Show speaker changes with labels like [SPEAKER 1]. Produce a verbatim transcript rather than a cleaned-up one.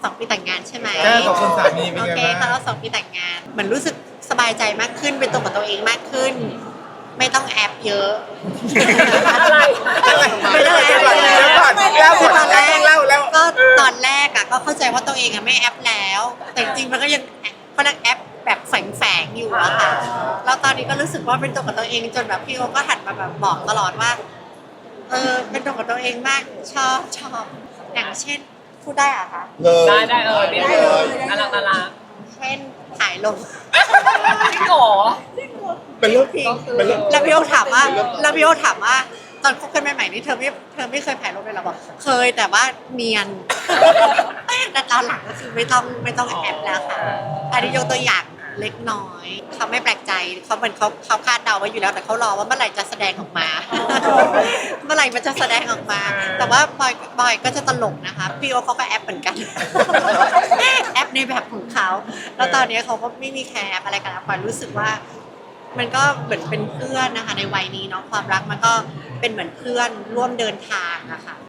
[SPEAKER 1] องปีแต่งงานใช่ไหม
[SPEAKER 2] แค่กับคุณสามีเป็น
[SPEAKER 1] โอ
[SPEAKER 2] ไง
[SPEAKER 1] เค
[SPEAKER 2] บ้าง
[SPEAKER 1] ค่ะเราสองปีแต่งงานเหมือนรู้สึกสบายใจมากขึ้นเป็นตัวกับตัวเองมากขึ้น ไม่ต้องแอบเยอะ
[SPEAKER 3] อะไร
[SPEAKER 1] ไม่ต้องแอบ
[SPEAKER 2] เดี๋
[SPEAKER 1] เย
[SPEAKER 2] ยว
[SPEAKER 1] อะ
[SPEAKER 2] ก่อนเล่าก่อน
[SPEAKER 1] ตอนแรก
[SPEAKER 2] เล่าแล้ว
[SPEAKER 1] ก็ตอนแรกอะก็เข้าใจว่าตัวเองอะไม่แอปแล้ว แต่จริงๆมันก็ยังก็นักแอปแบบแฝงๆอยู่อะค่ะแล้วตอนนี้ก็รู้สึกว่าเป็นตัวกับตัวเองจนแบบพี่โอก็หันมาแบบบอกตลอดว่า เออเป็นตัวกับตัวเองมากชอบชอบอย่างเช่นพูดได้อะคะ
[SPEAKER 2] เลย
[SPEAKER 3] ได้ได้เออได้เลยน่ารักน่ารัก
[SPEAKER 1] เช่นถ่ายลง
[SPEAKER 3] จริงเหรอ
[SPEAKER 2] เป็นเรื่อง
[SPEAKER 1] จริง
[SPEAKER 2] เป็นเรื่อง
[SPEAKER 1] แล้วพี่โอถามว่าแล้วพี่โอถามว่าตอนคบกันใหม่ๆนี่เธอไม่เธอไม่เคยถ่ายรูปเลยเหรอบอกเคยแต่ว่าเนียน แต่ตอนหลังก็คือไม่ต้องไม่ต้องแอบแล้วค่ะอันนี้ยกตัวอย่างเล็กน้อยเขาไม่แปลกใจเขาเหมือนเขาเขาคาดเดาไว้อยู่แล้วแต่เขารอว่าเมื่อไหร่จะแสดงออกมา เมื่อไหร่มันจะแสดงออกมา แต่ว่าบอยบอยก็จะตลกนะคะพี่โอเขาก็แอปเหมือนกัน แอปในแบบของเขาแล้วตอนนี้เขาก็ไม่มีแคร์แอปอะไรกันแล้วปอยรู้สึกว่า มันก็เหมือนเป็นเพื่อนนะคะในวัยนี้เนาะความรักมันก็เป็นเหมือนเพื่อนร่วมเดินทางอะค่ะ